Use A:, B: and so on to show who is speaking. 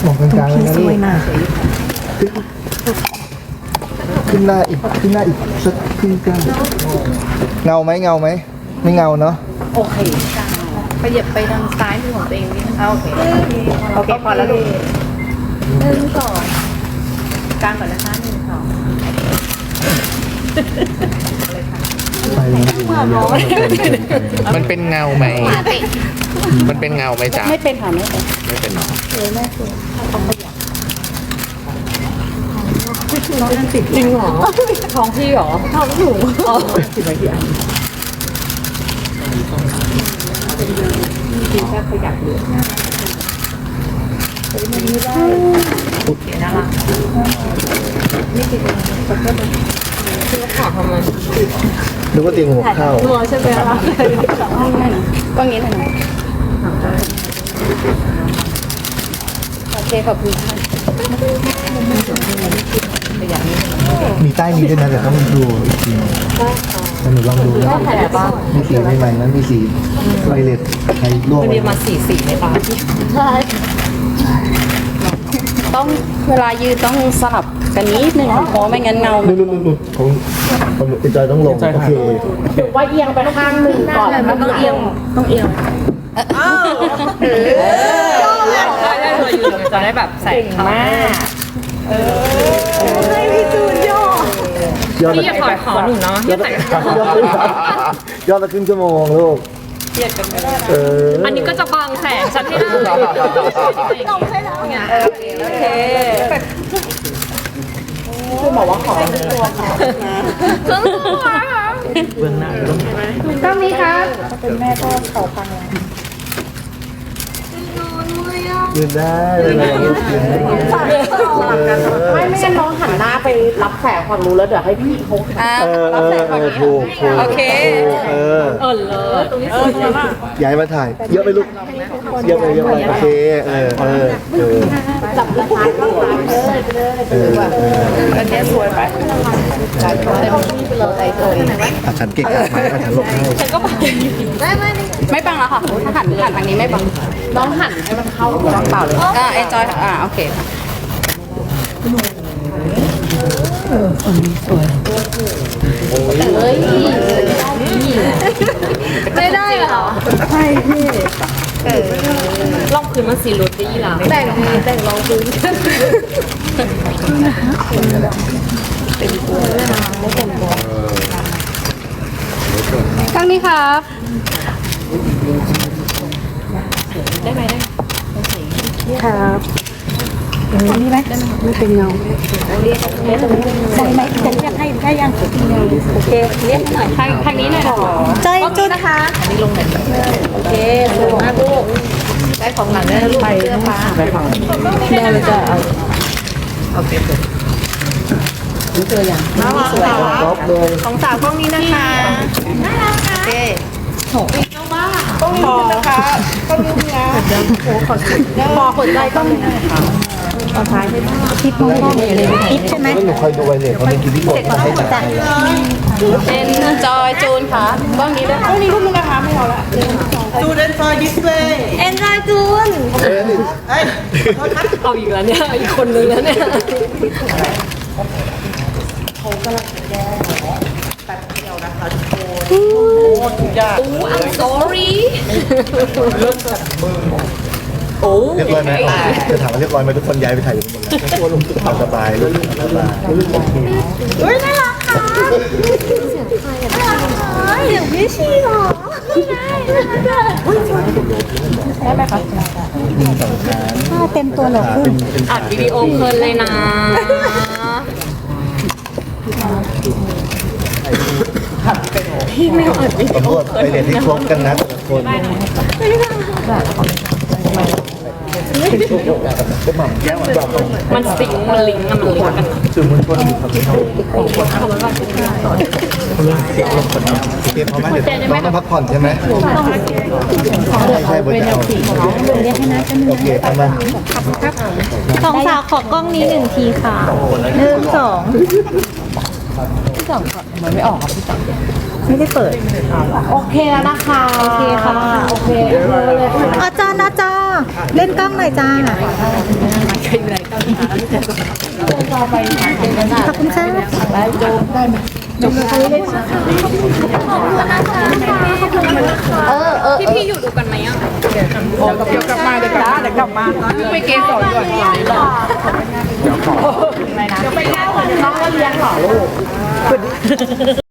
A: มองกลางๆเลยนะลูกขึ้นหน้าอีกสักครึ่งก้าวเงาไหมไม่เงาเนาะ
B: โอเคไปเหยียบไปทางซ้ายมือของตัวเองนิดนึงโอเคโอเคพอแล้วลูก1 2กลางก่อนนะคะ1 2
A: ไปเลย
C: มันเป็นเงาไหมมันเป็นเงาไหมจ๊ะ
B: ไม่เป็นค่ะไม่เป็น
C: ไม่เป็นหรอ
B: จริงเหรอท้องพี่เหรอท้องหนูอ๋อกินแค่ขยับเลยโอเคน่ารักนี่คือขาทำไม
A: นึกว่าเตียงหัวเข้า
B: หัวใช่ไหมล่ะก็งี้เลยนะโอเคขอบคุณค่ะ
A: มีใต้นี้ด้วยนะแต่ต้องดูอีกทีแต่หนูลองดูนะมีสีใหม่ๆนั้นมีสีไวเลตใครร่วม
B: มันมีมาสีในตาใช่ต้องเวลายืนต้องสลับกันนิดนึงเพราะไม่งั้นเงา
A: นู่นของติดใจต้องลงโอเค
B: ว่าเอียงไปข้างหนึ่งก่อนมันต้องเอียงจะได้แบบใส่มากให้พี่จูนย่อพี่อย่าถอยขอหนูเนาะอย่าใส่
A: ยอดละครึ่งชั่วโมงลูก
B: เกียดกันไม่ได้
D: อันนี้ก็จะบังแสงฉันให้ได้ต้องใช่แล้วโอเค
B: คือบอกว่าขอตัวขอ
D: เครื่องตัว
A: เบื้องหน้าต้อง
B: ต้องนี้ครับเป็นแม่ก็เขาพังแล้ว
A: ยืนได้เลยยืนได้
B: ไม่งั้นน้องหันหน้าไปรับแสงฝั่งนู้นแล้วเดี๋ยวให้พี่เขา
A: ถูก
D: โอเค
B: เลยตรงนี้สวยมาก
A: ย้ายมาถ่ายเยอะไปลูกเยอะไปโอเค
B: จับราคาเข้าร้านเลยอันนี้สวยไปแต่พี่ไปเลยตัวเอง
A: ฉันเก่งมากไหมฉันหลบให้
D: ฉันก็บังไม่บังแล้วค่ะถ้าหันทางนี้ไม่บัง
B: น้องหันให้มันเข้าตัวเปล่าเลย
D: เอนจอยโอเค
B: เฮ้ย
D: ไม่ได้เหรอ
B: ใช่พี่
D: ลองพื้นมันสีรุดได้ยี่หล่ะ
B: แต่งดีแต่งรองพื้น
D: ข้างนี้ครับครับอันนี้ไหมไม่เป็นเงาได้ไหมจะเรียกให้ได้ยังโอเคเรียกหน่อยทางนี้หน่อยจอยจุดค่ะอันนี้ลงไหนโอเคสวยมากลูกได้ของหลังได้ลูกเสื้อฟ้าได้ของได้เลยจะเอาโอเคนี่ตัวอย่างนี่สวย
A: ท็อปเลย
B: ของสาวกล้องนี้นะคะน่ารักค่ะโอเคกล้องนี้นะคะกล้องนี้นะโอ้ขอสุดพอขนใจกล้องนี้ค่ะเอาท้ายให้ทิปมองเลยทิปใช่ไหม
A: หนูคอยดูไว้เลยเขาในกินที่กดให้จัด
D: เป็นจอยจูนค่ะกล้องนี้ด้วย
B: กล้องนี้รูปนึงนะคะไม่เอาละ
E: จูนเอ็นจอยดิสเพลย์
D: เอ็นจอยจูน
E: เอ้ย
D: เอาอีกแล้วเนี่ยอีกคนนึงแล้วเนี่ย
E: ทุกอย่าง
D: I'm sorry
A: เรียบร้อยไหมจะถามว่าเรียบร้อยไหมทุกคนย้ายไปถ่ายอยู่หมดแล้วตัวลงสุดสบายลูกสบาย
D: เฮ้ยน่ารักค่ะเสียงพี่ชีหรอได้ไหมคะเต็มตัวเหรออัดวิดีโอเพลินเลยนะ พี่ไม่อัดวิดี
A: ตำรวจไปเรียนที่ครบกันนะแต่ละคนก็หม่ำแก้วแบบ
D: มันสิงมันลิงก์อะมันลิงก์กัน
A: สื่อมวลชนอยู่ครับเขาเตรียมพร้อมไหมเดี๋ยวน้องต้องพักผ่อนใช่ไหมใช่บนจะเอาโอเคทำมา
D: สองสาวขอกล้องนี้1 ทีค่ะ1 2พี่จ่องมันไม่ออกอ่ะพี่จ่องไม่ได้เปิด
B: โอเคแล้วนะคะโอเคค่ะโอเคเลย
F: อาจารย์เล่นกล้องหน่อยจ้า
D: ขอบคุณค่ะพี่อยู่ดูกันไหมอ่ะ
B: เดี๋ยวกลับมาเดี๋ยวกลับมาไปเกสรก่อนเดี๋ยวไปเล่าก่อนน้องก็เลี้ยงหรอลูก